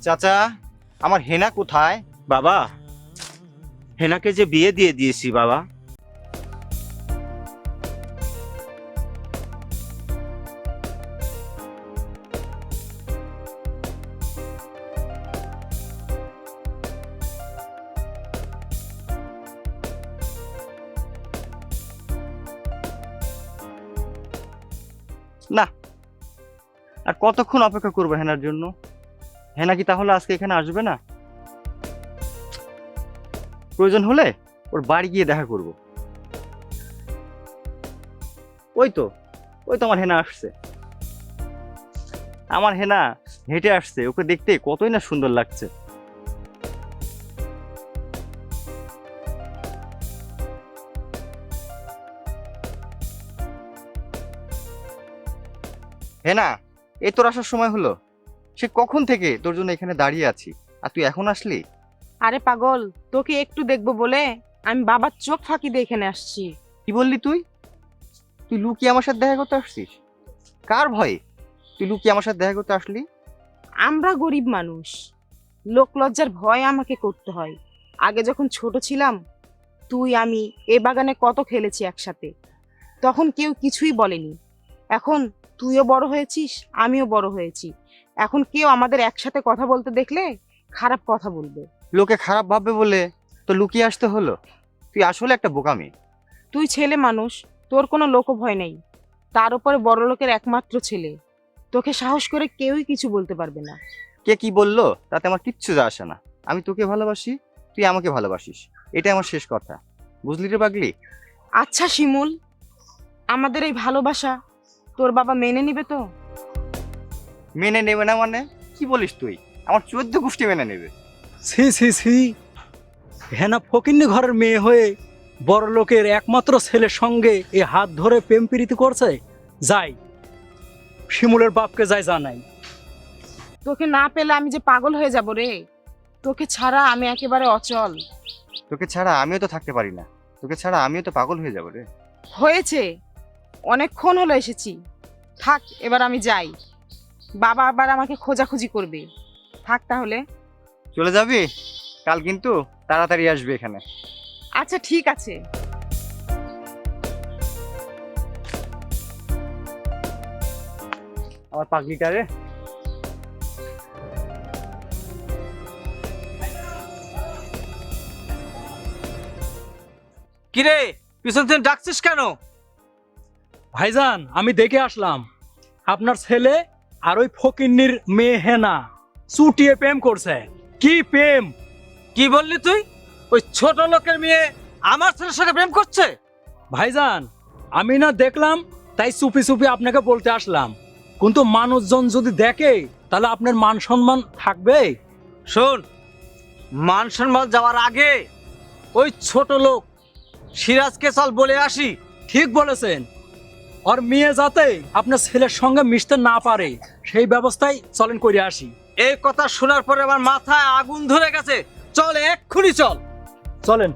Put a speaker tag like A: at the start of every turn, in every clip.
A: চাচা, আমার হেনা কোথায়?
B: বাবা, হেনাকে যে বিয়ে দিয়ে দিয়েছি বাবা।
A: না, আর কতক্ষণ অপেক্ষা করবো হেনার জন্য? হেনা কি তাহলে আজকে এখানে আসবে না? প্রয়োজন হলে ওর বাড়ি গিয়ে দেখা করব। ওই তো, ওই তো আমার হেনা আসছে। আমার হেনা হেঁটে আসছে, ওকে দেখতে কতই না সুন্দর লাগছে। হেনা, এই তোর আসার সময় হলো। সে কখন থেকে তোর জন্য এখানে দাঁড়িয়ে আছি, আর তুই এখন আসলি?
C: আরে পাগল, তোকে একটু দেখবো বলে আমি বাবার চোখ ফাঁকি দিয়ে এখানে আসছি।
A: কি বললি তুই? তুই লুকিয়ে আমার সাথে দেখা করতে আসছিস? কার ভয়ে তুই লুকিয়ে আমার সাথে দেখা করতে আসলি?
C: আমরা গরিব মানুষ, লোক লজ্জার ভয় আমাকে করতে হয়। আগে যখন ছোট ছিলাম, তুই আমি এ বাগানে কত খেলেছি একসাথে, তখন কেউ কিছুই বলেনি। এখন তুইও বড় হয়েছিস, আমিও বড় হয়েছি, এখন কেউ আমাদের একসাথে কথা বলতে দেখলে খারাপ কথা বলবে।
A: লোকে খারাপ ভাববে বলে তো লুকিয়ে আসতে হলো? তুই আসলে একটা বোকামি।
C: তুই ছেলে মানুষ, তোর কোনো লোকভয় নেই, তার উপরে বড় লোকের একমাত্র ছেলে, তোকে সাহস করে কেউই কিছু বলতে পারবে না।
A: কে কি বললো তাতে আমার কিচ্ছু যায় আসে না। আমি তোকে ভালোবাসি, তুই আমাকে ভালোবাসিস, এটাই আমার শেষ কথা। বুঝলি রে পাগলি?
C: আচ্ছা শিমুল, আমাদের এই ভালোবাসা তোর বাবা মেনে নিবে তো?
A: মেনে নেবে না মানে? কি বলিস তুই? আমার 14 গোষ্ঠী মেনে নেবে।
D: ছি ছি ছি, হেনা ফকিন্নি ঘরের মেয়ে হয়ে বড় লোকের একমাত্র ছেলের সঙ্গে এ হাত ধরে প্রেম প্রীতি করছে। যাই শিমুলের বাপকে যাই জানাই।
C: তোকে না পেলে আমি যে পাগল হয়ে যাব রে, তোকে ছাড়া আমি একেবারে অচল।
A: তোকে ছাড়া আমিও তো থাকতে পারি না, তোকে ছাড়া আমিও তো পাগল হয়ে যাবো রে।
C: হয়েছে, অনেকক্ষণ হলো এসেছি, থাক এবার আমি যাই, বাবা আবার আমাকে খোঁজাখুঁজি করবে। থাক তাহলে।
A: চলে যাবি? কাল কিন্তু তাড়াতাড়ি আসবে এখানে।
C: আচ্ছা ঠিক আছে।
A: আমার পাগলিটা রে।
B: কিরে, পিছন থেকে ডাকছিস কেন?
D: ভাইজান, আমি দেখে আসলাম আপনার ছেলে আর ওই ফকিন্নির মেয়ে হেনা চুটিয়ে প্রেম করছে। কি প্রেম!
B: কি বললি তুই? ওই ছোট লোকের মেয়ে আমার ছেলের সাথে প্রেম করছে?
D: ভাইজান, আমি না দেখলাম তাই চুপি চুপি আপনাকে বলতে আসলাম, কিন্তু মানুষজন যদি দেখে তাহলে আপনার মান সম্মান থাকবে?
B: শোন, মান সম্মান যাওয়ার আগে ওই ছোট লোক সিরাজকে চল বলে আসি।
D: ঠিক বলেছেন, আর মেয়ে যাতে আপনার ছেলের সঙ্গে মিশতে না পারে সেই ব্যবস্থাই চলেন করে আসি।
B: এই কথা শোনার পরে আমার মাথায় আগুন ধরে গেছে। চল, এক্ষুনি চল।
D: চলেন।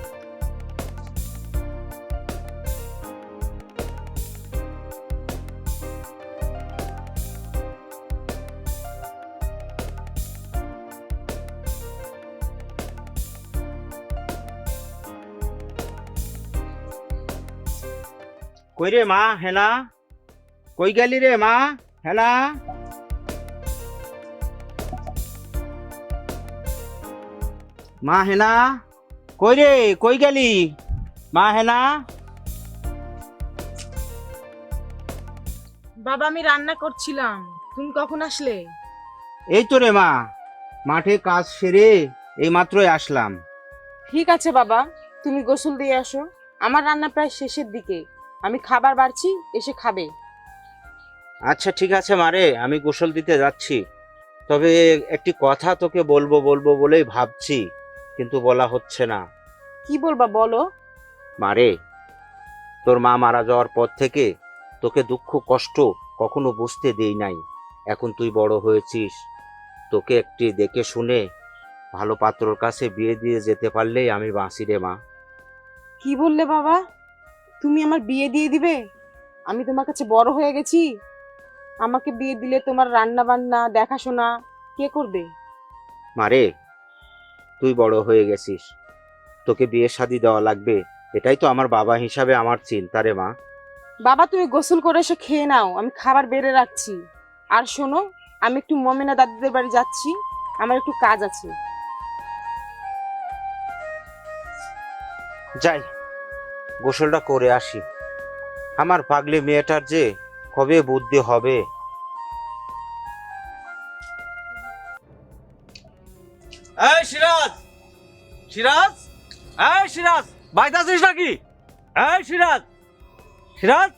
B: কই রে মা হেনা, কই গেলি রে মা হেনা? মা হেনা, কই রে, কই গেলি মা হেনা?
C: বাবা আমি রান্না করছিলাম, তুমি কখন আসলে?
B: এই তো রে মা, মাঠে কাজ সেরে এই মাত্রই আসলাম।
C: ঠিক আছে বাবা, তুমি গোসল দিয়ে আসো, আমার রান্না প্রায় শেষের দিকে, আমি খাবার বাড়ছি, এসে খাবে।
B: আচ্ছা ঠিক আছে মারে, আমি গোসল দিতে যাচ্ছি। তবে একটি কথা তোকে বলবো বলবো বলেই ভাবছি, কিন্তু বলা হচ্ছে না।
C: কি বলবা বলো।
B: মারে, তোর মা মারা যাওয়ার পর থেকে তোকে দুঃখ কষ্ট কখনো বুঝতে দেই নাই। এখন তুই বড় হয়েছিস, তোকে একটি দেখে শুনে ভালো পাত্রর কাছে বিয়ে দিয়ে যেতে পারলেই আমি বাঁচি রে মা।
C: কি বললে বাবা? তুমি আমার বিয়ে দিয়ে দিবে? আমি তোমার কাছে বড় হয়ে গেছি, আমাকে বিয়ে দিলে তোমার রান্না বান্না দেখাশোনা কে করবে?
B: মারে, তুই বড় হয়ে গেছিস, তোকে বিয়ে শাদী দেওয়া লাগবে, এটাই তো আমার বাবা হিসাবে আমার চিন্তা রে মা।
C: বাবা তুমি গোসল করে এসে খেয়ে নাও, আমি খাবার বেড়ে রাখছি। আর শোনো, আমি একটু মমিনা দাদিদের বাড়ি যাচ্ছি, আমার একটু কাজ আছে।
B: যাই, গোসলটা করে আসি। আমার পাগলি মেয়েটার যে কবে বুদ্ধি হবে।
E: এই সিরাজ, সিরাজ, এই সিরাজ, বাড়িতে আছিস নাকি? এই সিরাজ, সিরাজ।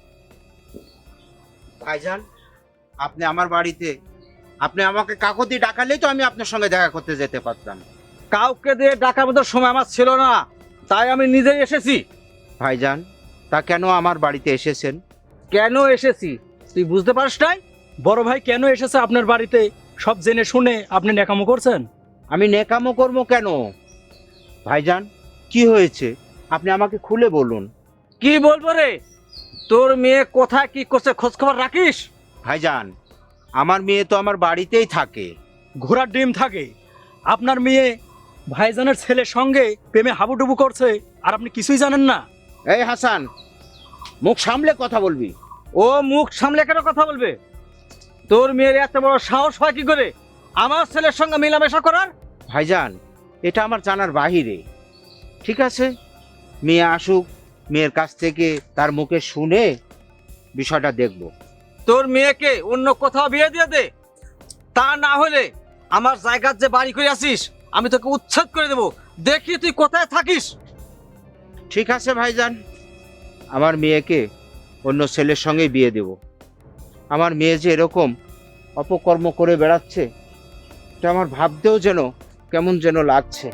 B: ভাইজান, আপনি আমার বাড়িতে, আপনি আমাকে কাকতি ডাকালেই তো আমি আপনার সঙ্গে দেখা করতে যেতে পারতাম।
E: কাউকে দিয়ে ডাকার মতো সময় আমার ছিল না, তাই আমি নিজেই এসেছি।
B: ভাইজান, তা কেন আমার বাড়িতে এসেছেন?
E: কেন এসেছি তুই বুঝতে পারিস নাই?
D: বড় ভাই কেন এসেছে আপনার বাড়িতে সব জেনে শুনে আপনি ন্যাকামো করছেন?
B: আমি নেকামো করবো কেন? ভাইজান, কি হয়েছে আপনি আমাকে খুলে বলুন।
E: কি বলবো রে, তোর মেয়ে কোথায় কি করছে খোঁজ খবর রাখিস?
B: ভাইজান, আমার মেয়ে তো আমার বাড়িতেই থাকে।
D: ঘোড়ার ডিম থাকে। আপনার মেয়ে ভাইজানের ছেলের সঙ্গে প্রেমে হাবুডুবু করছে আর আপনি কিছুই জানেন না।
B: এই হাসান, মুখ সামলে কথা বলবি।
E: ও মুখ সামলে কেন কথা বলবে? তোর মেয়ের এত বড় সাহস হয় কি করে আমার ছেলের সঙ্গে মেলামেশা করার?
B: ভাইজান, এটা আমার জানার বাহিরে। ঠিক আছে, মেয়ে আসুক, মেয়ের কাছ থেকে তার মুখে শুনে বিষয়টা দেখব।
E: তোর মেয়েকে অন্য কোথাও বিয়ে দিয়ে দে, তা না হলে আমার জায়গার যে বাড়ি করে আছিস আমি তোকে উচ্ছেদ করে দেবো। দেখি তুই কোথায় থাকিস।
B: ঠিক আছে ভাইজান, আমার মেয়েকে অন্য ছেলের সঙ্গে বিয়ে দেব। আমার মেয়ে যে এরকম অপকর্ম করে বেড়াচ্ছে, এটা আমার ভাবতেও যেন কেমন যেন লাগছে।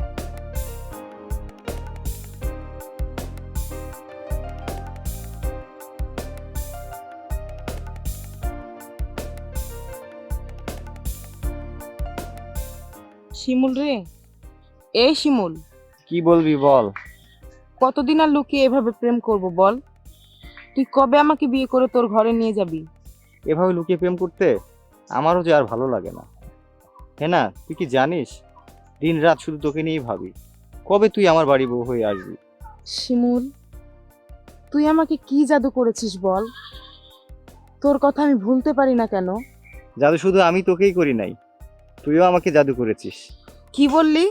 C: শিমুল রে, এই শিমুল,
A: কি বলবি বল।
C: কতদিন আর লুকিয়ে এভাবে প্রেম করব বল? তুই কবে আমাকে বিয়ে করে তোর ঘরে নিয়ে যাবি?
A: এভাবে লুকিয়ে প্রেম করতে আমারও যে আর ভালো লাগে না। হ্যাঁ না, তুই কি জানিস, দিন রাত শুধু তোকে নিয়েই ভাবি, কবে তুই আমার বাড়ি বউ হয়ে আসবি।
C: শিমুল, তুই আমাকে কি জাদু করেছিস বল? তোর কথা আমি ভুলতে পারি না কেন?
A: জাদু শুধু আমি তোকেই করি নাই, তুইও আমাকে জাদু করেছিস।
C: কি বললি?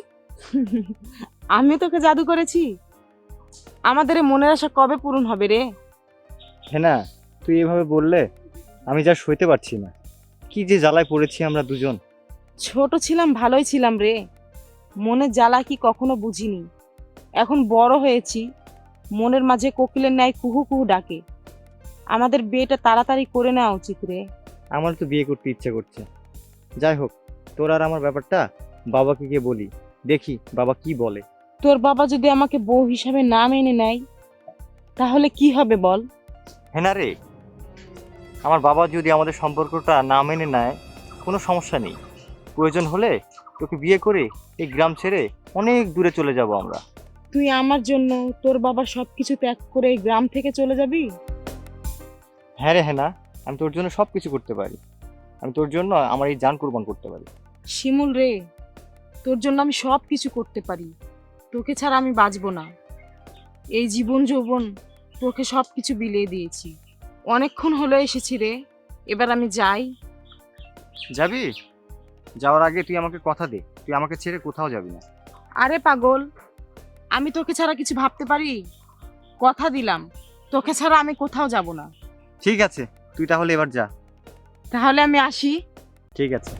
C: আমি তোকে জাদু করেছি? আমাদের এই মনের আশা কবে পূরণ হবে রে?
A: হ্যাঁ না, তুই এভাবে বললে আমি যা সইতে পারছি না। কি যে জ্বালায় পড়েছি আমরা দুজন।
C: ছোট ছিলাম ভালোই ছিলাম রে, মনের জ্বালা কি কখনো বুঝিনি। এখন বড় হয়েছি, মনের মাঝে কোকিলের ন্যায় কুহু কুহু ডাকে। আমাদের বিয়েটা তাড়াতাড়ি করে নেওয়া উচিত রে।
A: আমার তো বিয়ে করতে ইচ্ছে করছে। যাই হোক, তোর আর আমার ব্যাপারটা বাবাকে গিয়ে বলি, দেখি বাবা কি বলে।
C: তোর বাবা যদি আমাকে বউ হিসাবে না মেনে নেয় তাহলে কি হবে বল?
A: হ্যাঁ না রে, আমার বাবা যদি আমাদের সম্পর্কটা না মেনে নেয় কোনো সমস্যা নেই। প্রয়োজন হলে তোকে বিয়ে করে এই গ্রাম ছেড়ে অনেক দূরে চলে যাব আমরা।
C: তুই আমার জন্য তোর বাবার সবকিছু ত্যাগ করে এই গ্রাম থেকে চলে যাবি?
A: হ্যাঁ রে, হ্যাঁ না, আমি তোর জন্য সব কিছু করতে পারি। আমি তোর জন্য আমার এই জান কুরবান করতে পারি।
C: শিমুল রে, তোর জন্য আমি সব কিছু করতে পারি, তোকে ছাড়া আমি বাঁচবো না। এই জীবন যৌবন তোকে সব কিছু বিলিয়ে দিয়েছি, অনেকক্ষণ হলো এসেছি রে, এবার আমি যাই।
A: যাবি? যাওয়ার আগে তুই আমাকে কথা দে, তুই আমাকে ছেড়ে কোথাও যাবি না।
C: আরে পাগল, আমি তোকে ছাড়া কিছু ভাবতে পারি? কথা দিলাম, তোকে ছাড়া আমি কোথাও যাব না।
A: ঠিক আছে, তুই তাহলে এবার যা।
C: তাহলে আমি আসি।
A: ঠিক আছে।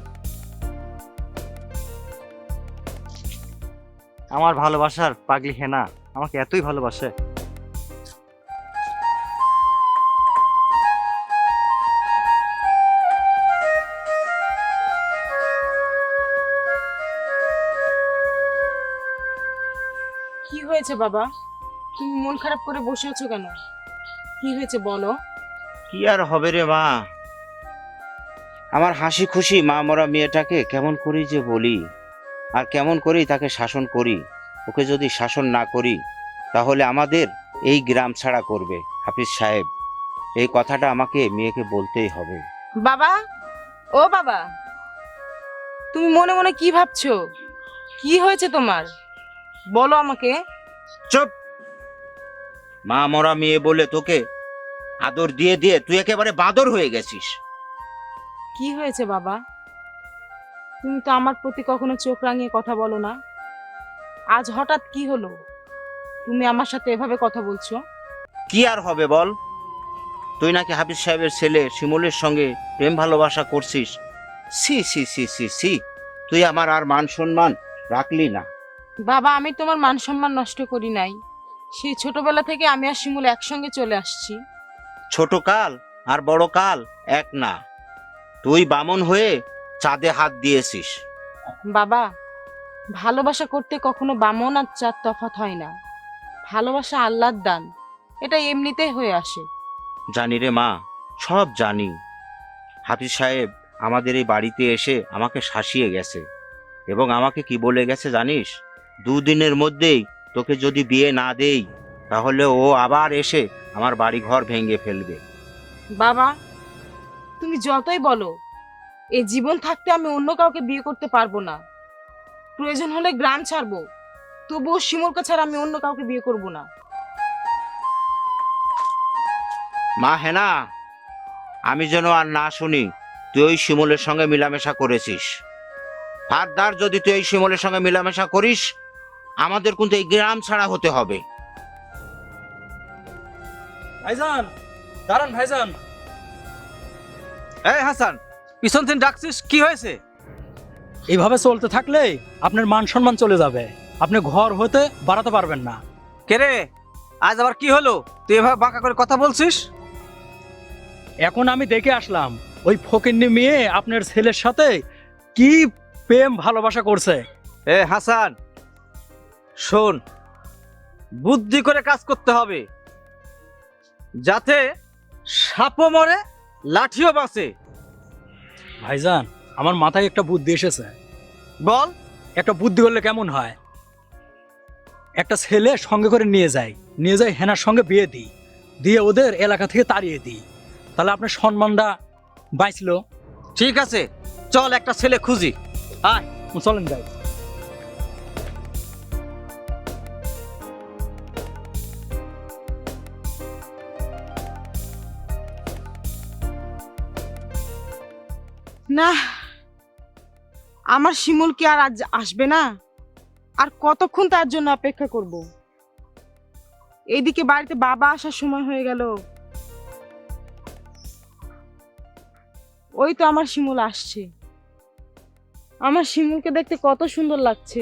A: আমার ভালোবাসার পাগলি হেনা আমাকে এতই ভালোবাসে।
C: কি হয়েছে বাবা, তুমি মন খারাপ করে বসে আছো কেন? কি হয়েছে বলো।
B: কি আর হবে রে মা, আমার হাসি খুশি মা মরা মেয়েটাকে কেমন করি যে বলি, আর কেমন করি তাকে শাসন করি। ওকে যদি শাসন না করি তাহলে আমাদের এই গ্রাম ছাড়া করবে হাফিজ সাহেব। এই কথাটা আমাকে মেয়েকে বলতেই হবে।
C: বাবা, ও বাবা, তুমি মনে মনে কি ভাবছো? কি হয়েছে তোমার? বলো আমাকে।
B: চুপ! মা মরা মেয়ে বলে তোকে আদর দিয়ে দিয়ে তুই একেবারে বাঁদর হয়ে গেছিস।
C: কি হয়েছে বাবা? তুমি তো আমার প্রতি কখনো চোখ রাঙিয়ে কথা বলো না। আজ হঠাৎ কি হলো? তুমি আমার সাথে এভাবে কথা বলছো?
B: কি আর হবে বল? তুই নাকি হাফিজ সাহেবের ছেলে শিমুলের সঙ্গে প্রেম ভালোবাসা করছিস। সি সি সি সি সি, তুই আমার আর মান সম্মান রাখলি না।
C: বাবা, আমি তোমার মান সম্মান নষ্ট করি নাই। সেই ছোটবেলা থেকে আমি আর শিমুল একসঙ্গে চলে আসছি।
B: ছোট কাল আর বড় কাল এক না। তুই বামন হয়ে চাঁদে হাত দিয়েছিস।
C: বাবা, ভালোবাসা করতে কখনো বামন আর চাঁদ তফাৎ হয় না। ভালোবাসা আল্লাহর দান, এটা এমনিতেই হয়ে আসে।
B: জানি রে মা, সব জানি। হাফিজ সাহেব আমাদের এই বাড়িতে এসে আমাকে শাসিয়ে গেছে এবং আমাকে কি বলে গেছে জানিস? 2 দিনের মধ্যেই তোকে যদি বিয়ে না দেই তাহলে ও আবার এসে আমার বাড়ি ঘর ভেঙে ফেলবে।
C: বাবা, তুমি যতই বলো, এই জীবন থাকতে আমি অন্য কাউকে বিয়ে করতে পারবো না। প্রয়োজন হলে গ্রাম ছাড়বো, তবুও শিমুলকে ছাড়া আমি অন্য কাউকে বিয়ে করব না।
B: মা হেনা, আমি যেন আর না শুনি তুই ওই শিমুলের সঙ্গে মিলামেশা করেছিস। ফারদার যদি তুই এই শিমুলের সঙ্গে মিলামেশা করিস, আমাদের কিন্তু এই গ্রাম ছাড়া হতে হবে।
D: ভাইজান, দাঁড়ান ভাইজান।
E: এই হাসান, পিছন থেকে ডাকছিস, কি হয়েছে?
D: এইভাবে চলতে থাকলে আপনার মান সম্মান চলে যাবে। আপনি ঘর হতে বাড়াতে পারবেন না।
E: কে রে, আজ আবার কি হলো? তুই এভাবে বাঁকা করে কথা বলছিস?
D: এখন আমি দেখে আসলাম ওই ফকিন্নি মেয়ে আপনার ছেলের সাথে কি প্রেম ভালোবাসা করছে।
E: এ হাসান, শোন, বুদ্ধি করে কাজ করতে হবে, যাতে সাপও মরে লাঠিও বাঁচে।
D: ভাইজান, আমার মাথায় একটা বুদ্ধি এসেছে।
E: বল।
D: একটা বুদ্ধি করলে কেমন হয়? একটা ছেলে সঙ্গে করে নিয়ে যাই হেনার সঙ্গে বিয়ে দিই, দিয়ে ওদের এলাকা থেকে তাড়িয়ে দিই, তাহলে আপনার সম্মানটা বাঁচলো।
E: ঠিক আছে, চল একটা ছেলে খুঁজি। আয়।
D: চলেন ভাই।
C: না, আমার শিমুল কি আর আজ আসবে না? আর কতক্ষণ তার জন্য অপেক্ষা করব? এইদিকে বাড়িতে বাবা আসার সময় হয়ে গেল। ওই তো আমার শিমুল আসছে। আমার শিমুলকে দেখতে কত সুন্দর লাগছে।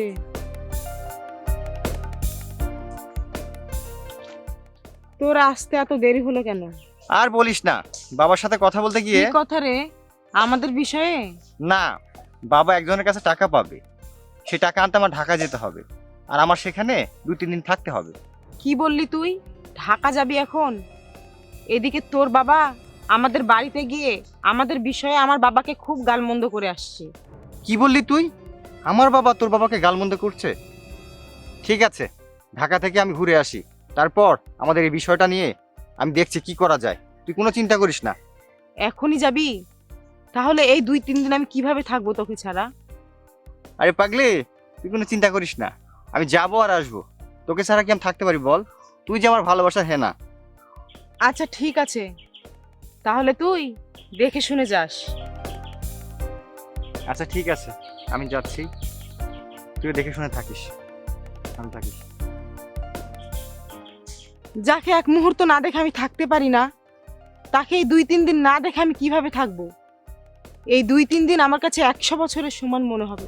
C: তোর আসতে এত দেরি হলো কেন?
A: আর বলিস না, বাবার সাথে কথা বলতে
C: কি
A: গিয়ে
C: কথা রে? আমাদের বিষয়ে?
A: না, বাবা একজনের কাছে টাকা পাবে, সে টাকা আনতে আমার ঢাকা যেতে হবে, আর আমার সেখানে 2-3 দিন থাকতে হবে।
C: কি বললি তুই? ঢাকা যাবি এখন? এদিকে তোর বাবা আমাদের বাড়িতে গিয়ে আমাদের বিষয়ে আমার বাবাকে খুব গালমন্দ করে আসছে।
A: কি বললি তুই? আমার বাবা তোর বাবাকে গালমন্দ করছে? ঠিক আছে, ঢাকা থেকে আমি ঘুরে আসি, তারপর আমাদের এই বিষয়টা নিয়ে আমি দেখছি কি করা যায়। তুই কোনো চিন্তা করিস না।
C: এখনই যাবি? তাহলে এই 2-3 দিন আমি কিভাবে থাকবো তোকে ছাড়া?
A: আরে পাগলি, তুই কোনো চিন্তা করিস না, আমি যাবো আর আসবো। তোকে ছাড়া কি আমি থাকতে পারি বল? তুই যে আমার ভালোবাসার হেনা।
C: আচ্ছা ঠিক আছে, তাহলে তুই দেখে শুনে যাস।
A: আচ্ছা ঠিক আছে, আমি যাচ্ছি, তুই দেখে শুনে থাকিস, আমি থাকিস।
C: যাকে এক মুহূর্ত না দেখে আমি থাকতে পারি না, তাকে এই 2-3 দিন না দেখে আমি কিভাবে থাকবো? এই 2-3 দিন আমার কাছে 100 বছরের সমান মনে হবে।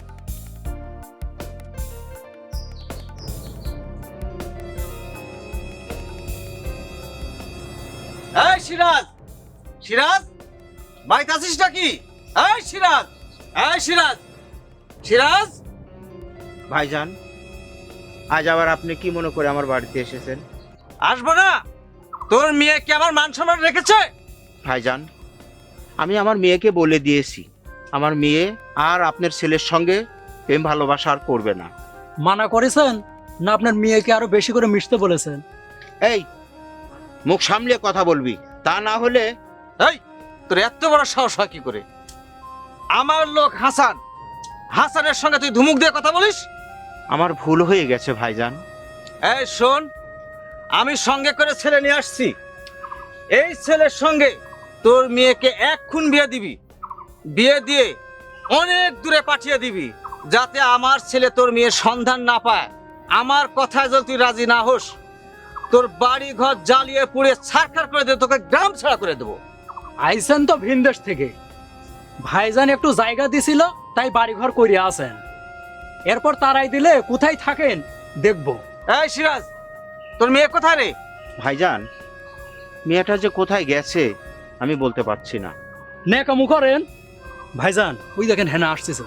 E: এই সিরাজ, সিরাজ, বাড়িতে আছিস নাকি? এই সিরাজ, এই সিরাজ, সিরাজ।
B: ভাইজান, আজ আবার আপনি কি মনে করে আমার বাড়িতে এসেছেন?
E: আসবো না? তোর মেয়ে কি আমার মান সম্মান রেখেছে?
B: ভাইজান, আমি আমার মেয়েকে বলে দিয়েছি আমার মেয়ে আর আপনার ছেলের সঙ্গে প্রেম ভালোবাসা আর করবে না।
D: মানা করেছেন না আপনার মেয়েকে আরো বেশি করে মিশতে বলেছেন?
B: এই, মুখ সামলে কথা বলবি, তা না হলে।
E: এই, তোর এত বড় সাহস হয় কি করে? আমার লোক হাসান হাসানের সঙ্গে তুই ধুমুক দিয়ে কথা বলিস?
B: আমার ভুল হয়ে গেছে ভাইজান।
E: এই শোন, আমি সঙ্গে করে ছেলে নিয়ে আসছি। এই ছেলের সঙ্গে তোর মেয়েকে এক্ষুন বিয়ে দিবি। বিয়ে দিয়ে অনেক দূরে পাঠিয়ে দিবি, যাতে আমার ছেলে তোর মেয়ের সন্ধান না পায়। আমার কথায় যদি তুই রাজি না হোস, তোর বাড়ি ঘর জ্বালিয়ে পুড়ে ছারখার করে দেবো, তোকে গ্রাম ছাড়া করে দেবো।
D: আইসেন তো ভিনদেশ থেকে, ভাইজান একটু জায়গা দিছিল তাই বাড়িঘর করিয়া আছেন। এরপর তারাই দিলে কোথায় থাকেন দেখবো।
E: এই সিরাজ, তোর মেয়ে কোথায় রে?
B: ভাইজান, মেয়েটা যে কোথায় গেছে আমি বলতে পারছি না।
D: নেকামু করেন ভাইজান, ওই দেখেন হেনা আসতেছে।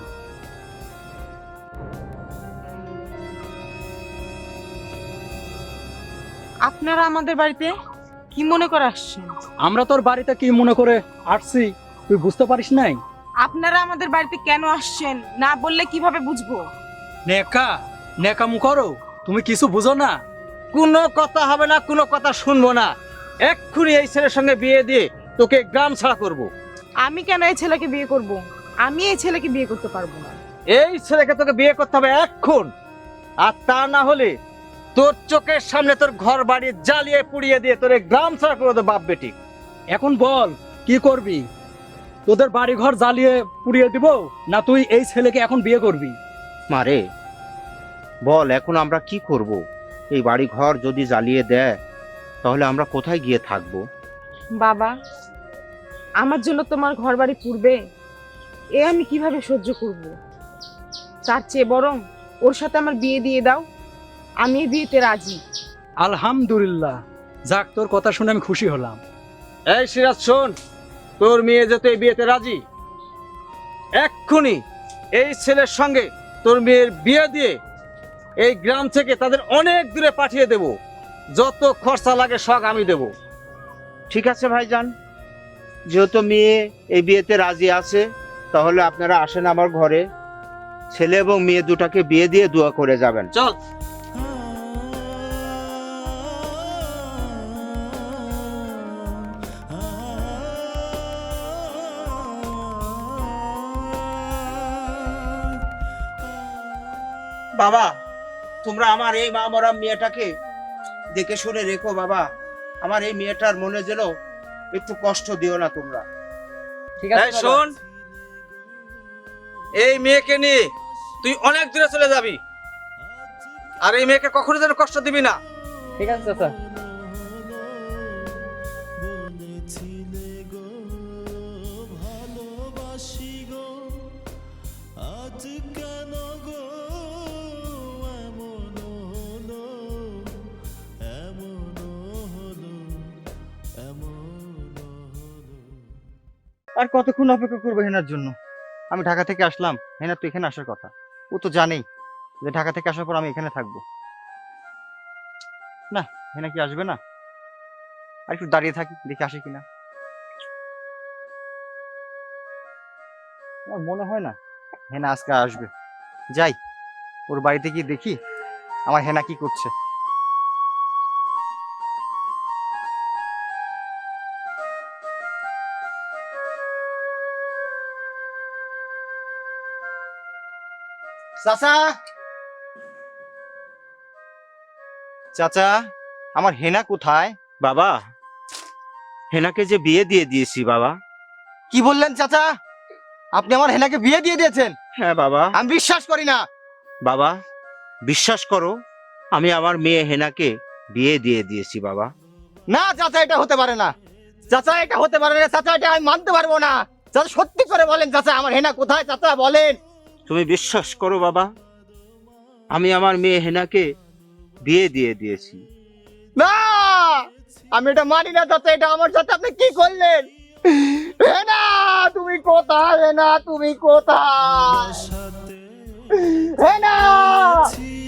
C: আপনারা আমাদের বাড়িতে কি মনে করে আসছেন?
D: আমরা তোর বাড়িতে কি মনে করে আসছি তুই বুঝতে পারিস নাই?
C: আপনারা আমাদের বাড়িতে কেন আসছেন না বললে কিভাবে বুঝবো?
D: নেকামু করো, তুমি কিছু বুঝো না?
E: কোনো কথা হবে না, কোনো কথা শুনবো না। এক্ষুনি এই ছেলের সঙ্গে বিয়ে দিয়ে তোকে গ্রাম ছাড়া করব।
C: আমি কেন এই ছেলেকে বিয়ে করব? আমি এই ছেলেকে বিয়ে করতে পারবো না।
E: এই ছেলেকে তোকে বিয়ে করতে হবে এখন, আর তা না হলে তোর চোখের সামনে তোর ঘর বাড়ি জ্বালিয়ে পুড়িয়ে দিয়ে তোর এই গ্রাম ছাড়া করে দেবো বাপ বেটি।
D: এখন বল কি করবি? তোদের বাড়ি ঘর জ্বালিয়ে পুড়িয়ে দিব না তুই এই ছেলেকে এখন বিয়ে করবি?
B: মারে বল, এখন আমরা কি করব? এই বাড়ি ঘর যদি জ্বালিয়ে দেয় তাহলে আমরা কোথায় গিয়ে থাকবো?
C: বাবা, আমার জন্য তোমার ঘর বাড়ি পুড়বে, এ আমি কিভাবে সহ্য করব? তার চেয়ে বরং ওর সাথে আমার বিয়ে দিয়ে দাও, আমি এই বিয়েতে রাজি।
D: আলহামদুলিল্লাহ, যাক তোর কথা শুনে আমি খুশি হলাম।
E: এই সিরাজ শোন, তোর মেয়ে যেতে এই বিয়েতে রাজি, এক্ষুনি এই ছেলের সঙ্গে তোর মেয়ের বিয়ে দিয়ে এই গ্রাম থেকে তাদের অনেক দূরে পাঠিয়ে দেব। যত খরচা লাগে সব আমি দেব।
B: ঠিক আছে ভাইজান, যেহেতু মেয়ে এই বিয়েতে রাজি আছে তাহলে আপনারা আসেন আমার ঘরে, ছেলে এবং মেয়ে দুটাকে বিয়ে দিয়ে দোয়া করে যাবেন।
E: চল।
B: বাবা, তোমরা আমার এই মা মরা মেয়েটাকে দেখে শুনে রেখো বাবা। আমার এই মেয়েটার মনে যেন একটু কষ্ট দিও না তোমরা।
D: ঠিক
E: এই শোন, এই মেয়েকে নিয়ে তুই অনেক দূরে চলে যাবি, আর এই মেয়েকে কখনো যেন কষ্ট দিবি না।
D: ঠিক আছে চাচা।
A: আর কতক্ষণ অপেক্ষা করবো হেনার জন্য? আমি ঢাকা থেকে আসলাম, হেনার তো এখানে আসার কথা। ও তো জানেই যে ঢাকা থেকে আসার পর আমি এখানে থাকবো। না, হেনা কি আসবে না? আর একটু দাঁড়িয়ে থাকি, দেখে আসে কিনা। আমার মনে হয় না হেনা আজকে আসবে। যাই, ওর বাড়িতে গিয়ে দেখি আমার হেনা কি করছে। চাচা, চাচা, আমার হেনা কোথায়?
B: বাবা, হেনাকে যে বিয়ে দিয়ে দিয়েছি বাবা।
A: কি বললেন চাচা? আপনি আমার হেনাকে বিয়ে দিয়ে দিয়েছেন?
B: হ্যাঁ বাবা।
A: আমি বিশ্বাস করি না।
B: বাবা, বিশ্বাস করো, আমি আমার মেয়ে হেনাকে বিয়ে দিয়ে দিয়েছি বাবা।
A: না চাচা, এটা হতে পারে না। চাচা, এটা হতে পারে না। চাচা, এটা আমি মানতে পারবো না। চাচা, সত্যি করে বলেন চাচা, আমার হেনা কোথায়? চাচা বলেন।
B: তুমি বিশ্বাস করো বাবা, আমি আমার মেয়ে হেনাকে বিয়ে দিয়ে দিয়েছি।
A: না, আমি এটা মানি না চাচা। এটা আমার সাথে আপনি কি করলেন? হেনা তুমি কোথায়? হেনা তুমি কোথায়? হেনা